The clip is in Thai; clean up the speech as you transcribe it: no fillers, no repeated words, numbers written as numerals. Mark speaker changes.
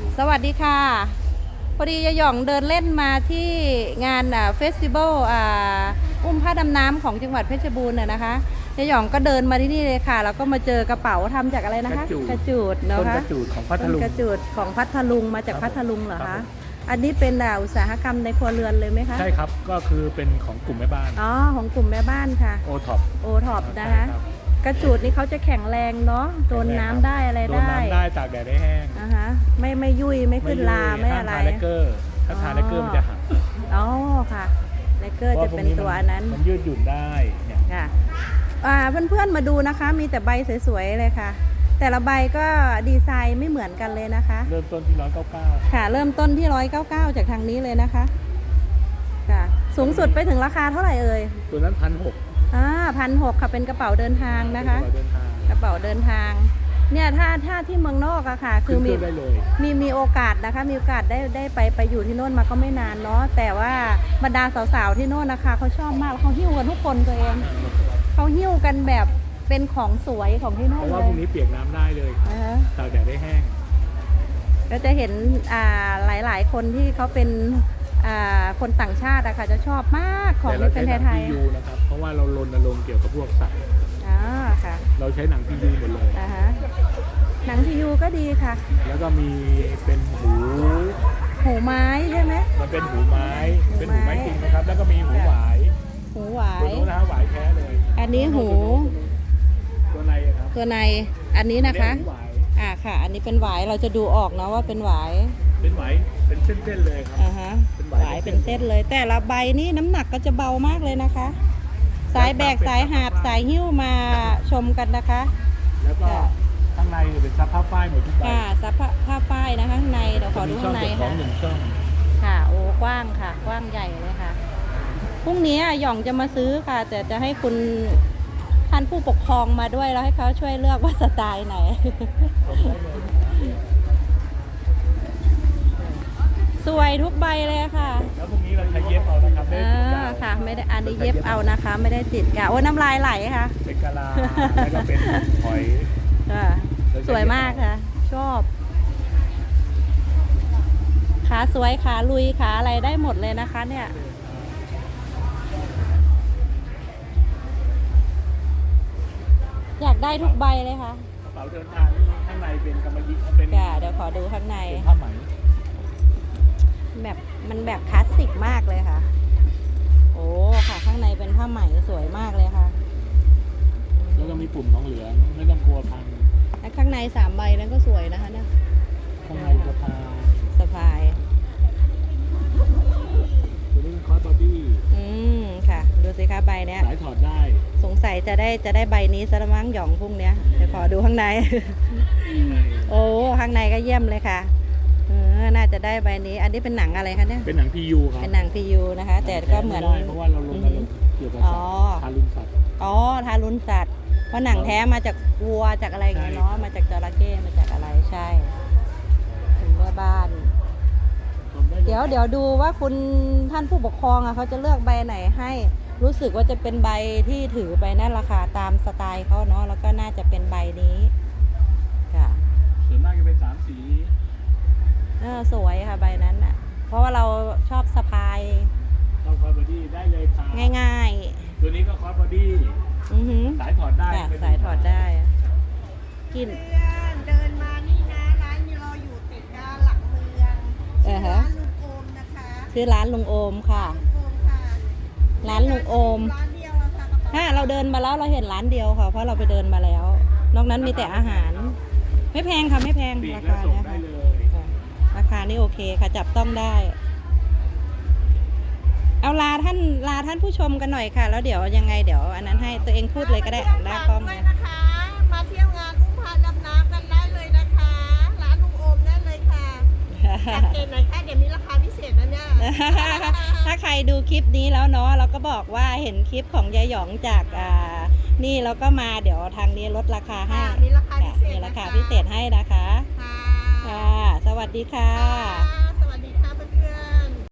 Speaker 1: สวัสดีค่ะพอดียายหย่องเดินเล่นมาที่งานเฟสติวัลอุ้มผ้าดำน้ำของจังหวัดเพชรบูรณ์นะคะยายหย่องก็เดินมาที่นี่เลยค่ะแล้วก็มาเจอกระเป๋าทำจากอะไรนะคะกระจูดเนาะคะ
Speaker 2: ต้นกระจูดของพัทลุง
Speaker 1: กระจูดของพัทลุงมาจากพัทลุงเหรอคะอันนี้เป็นอุตสาหกรรมในครัวเรือนเลยไหมคะ
Speaker 2: ใช่ครับก็คือเป็นของกลุ่มแม่บ้าน
Speaker 1: อ๋อของกลุ่มแม่บ้านค่ะ
Speaker 2: โอท็อป
Speaker 1: นะคะกระจูดนี่เขาจะแข็งแรงเนาะโดนน้ำได้อะไรได้
Speaker 2: โดนน้ำได้ตากแดดได้แห้ง
Speaker 1: ไม่ยุ่ยไม่ขึ้นลาไม่อะไร
Speaker 2: ถ้าทาเลกเกอร์มันจะหัก
Speaker 1: อ๋อค่ะเลกเกอร์จะเป็นตัวนั้น
Speaker 2: มันยืดหยุ่นได้เนี่ย
Speaker 1: ค่ะเพื่อนๆมาดูนะคะมีแต่ใบสวยๆเลยค่ะแต่ละใบก็ดีไซน์ไม่เหมือนกันเลยนะคะ
Speaker 2: เริ่มต้นที่199
Speaker 1: ค่ะเริ่มต้นที่199จากทางนี้เลยนะคะค่ะสูงสุดไปถึงราคาเท่าไหร่เอ่ย
Speaker 2: ตัวนั้น
Speaker 1: 1,600ค่ะเป็นกระเป๋าเดินทางนะคะกระเป๋าเดินทางเนี่ยถ้าที่เมืองนอกอะค่ะคือมีโอกาสนะคะมีโอกาสได้ไปอยู่ที่โน่นมาก็ไม่นานเนาะแต่ว่าบรรดาสาวๆที่โน่นนะคะเขาชอบมากเขาหิ้วกันทุกคนตัวเองเขาหิ้วกันแบบเป็นของสวยของที่โน่น
Speaker 2: เพราะว่าพวกนี้เปียกน้ำได้เลยตากแดดได้แห้ง
Speaker 1: ก็จะเห็นหลายๆคนที่เขาเป็นคนต่างชาติอะค่ะจะชอบมากของที่เป็นไทย
Speaker 2: ๆนะครับเพราะว่าเรารณรงค์เกี่ยวกับพวกสัตว์
Speaker 1: ค่ะ
Speaker 2: เราใช้หนังพียูหมดเลย
Speaker 1: หนังพียูก็ดีค่ะ
Speaker 2: แล้วก็มีเป็น
Speaker 1: หูไม้ใช่ไหม
Speaker 2: มันเป็นหูไม้จริงนะครับแล้วก็มีหูหวาย
Speaker 1: ตัวนู้
Speaker 2: นนะหวายแท้เลย
Speaker 1: อันนี้หู
Speaker 2: ตัวในครับ
Speaker 1: ตัวในอันนี้นะคะค่ะอันนี้เป็นหวายเราจะดูออกเนาะว่าเป็นหวาย
Speaker 2: เป็นเส้นๆเลยครับ
Speaker 1: เป็นหวายเป็นเส้นเลยแต่ละใบนี่น้ำหนักก็จะเบามากเลยนะคะสายแบกสายหาบสายหิ้วมาชมกันนะคะ
Speaker 2: แล้วก็ข้างในเป็นซับผ้าฝ้ายหมดทุกใบ
Speaker 1: ซับผ้าฝ้ายนะข้างในเดี๋ยวขอดูข้างในค่ะโอ้กว้างค่ะกว้างใหญ่เลยค่ะพรุ่งนี้หย่องจะมาซื้อค่ะแต่จะให้คุณท่านผู้ปกครองมาด้วยแล้วให้เขาช่วยเลือกว่าสไตล์ไหนสวยทุกใบเลยค่ะ
Speaker 2: แล้วพรุ่งนี้เราใช้เย็บเอานะครับ
Speaker 1: ค่ะไม่ได้อันนี้เย็บเอานะคะไม่ได้ติดกะโอ้น้ำลายไหลค่ะ
Speaker 2: เป็นกะลาแล้วก็เป็นหอย
Speaker 1: สวยมากค่ะชอบขาสวยขาลุยขาอะไรได้หมดเลยนะคะเนี่ยอยากได้ทุกใบเลยค่ะ
Speaker 2: กระเป๋าเดินทางข้างในเป็นกำมะหยี่เป็น
Speaker 1: เดี๋ยวขอดูข้างใน
Speaker 2: ผ้าไหม
Speaker 1: แบบมันแบบคลาสสิกมากเลยค่ะโอ้ค่ะข้างในเป็นผ้าไหมสวยมากเลยค่ะ
Speaker 2: แล้วก็มีปุ่มทองเหลืองไม่ต้องกลัวพัง
Speaker 1: และข้างใน3 ใบนั้นก็สวยนะคะเนี่ย
Speaker 2: ข้างใน
Speaker 1: สะพาย
Speaker 2: ตัวนี้คอสบอดี้
Speaker 1: ค่ะดูสิคะใบเนี้ย
Speaker 2: สายถอดได้
Speaker 1: สงสัยจะได้ใบนี้ซะละมั้งหย่องพรุ่งเนี้ยเดี๋ยวขอดูข้างในโอ้ข้างในก็เยี่ยมเลยค่ะน่าจะได้ใบนี้อันนี้เป็นหนังอะไรคะเนี่ย
Speaker 2: เป็นหนังพียูครับ
Speaker 1: เป็นหนังพียูนะคะแต่ก็เหมือน
Speaker 2: เพราะว่าเราลงเกี่ยวกับทารุณสัตว์
Speaker 1: ทารุณสัตว์เพราะหนังแท้มาจากวัวจากอะไรอย่างเงี้ยเนาะมาจากจระเข้มาจากอะไรใช่ถึงแม่บ้านเดี๋ยวดูว่าคุณท่านผู้ปกครองเขาจะเลือกใบไหนให้รู้สึกว่าจะเป็นใบที่ถือไปนั่นราคาตามสไตล์เขาเนาะแล้วก็น่าจะเป็นใบนี้ค่ะ
Speaker 2: ส่วนมากจะเป็น3 สี
Speaker 1: สวยค่ะใบนั้นอ่ะเพราะว่าเราชอบสะพาย
Speaker 2: คอสบอดี้ได้เลยค่ะ
Speaker 1: ง่าย
Speaker 2: ๆตัวนี้ก็คอสบอดี้สายถอดได้
Speaker 1: สายถอดได้กิน
Speaker 3: เดินมานี่นะร้านเราอยู่ติดกับหลังเมืองร้านลุงโอมนะคะ
Speaker 1: ชื่อร้านลุงโอมค่ะร้านลุงโอม
Speaker 3: ร้านเดียวค่ะ
Speaker 1: เราเดินมาแล้วเราเห็นร้านเดียวค่ะเพราะเราไปเดินมาแล้วนอกนั้นมีแต่อาหารไม่แพงค่ะไม่แพงราคาเนี่ยค่ะราคานี่โอเคค่ะจับต้องได้เอาลาท่านผู้ชมกันหน่อยค่ะแล้วเดี๋ยวยังไงเดี๋ยวอันนั้นให้ตัวเองพูดเลยก็ได้
Speaker 3: ได้กล้องเลยนะคะมาเที่ยวงานอุ้มพาดำน้ำกันได้เลยนะคะร้านลุงโอมได้เลยค่ะจัดเองหน่อยค่ะเดี๋ยวมีราคาพิเศษนะเนี่ย
Speaker 1: ถ้าใครดูคลิปนี้แล้วเนาะเราก็บอกว่าเห็นคลิปของยายหยองจากนี่เราก็มาเดี๋ยวทางนี้ลดราคาให้
Speaker 3: มีราคาพิเศษ
Speaker 1: ให้นะคะค่ะสวัสดีค่ะ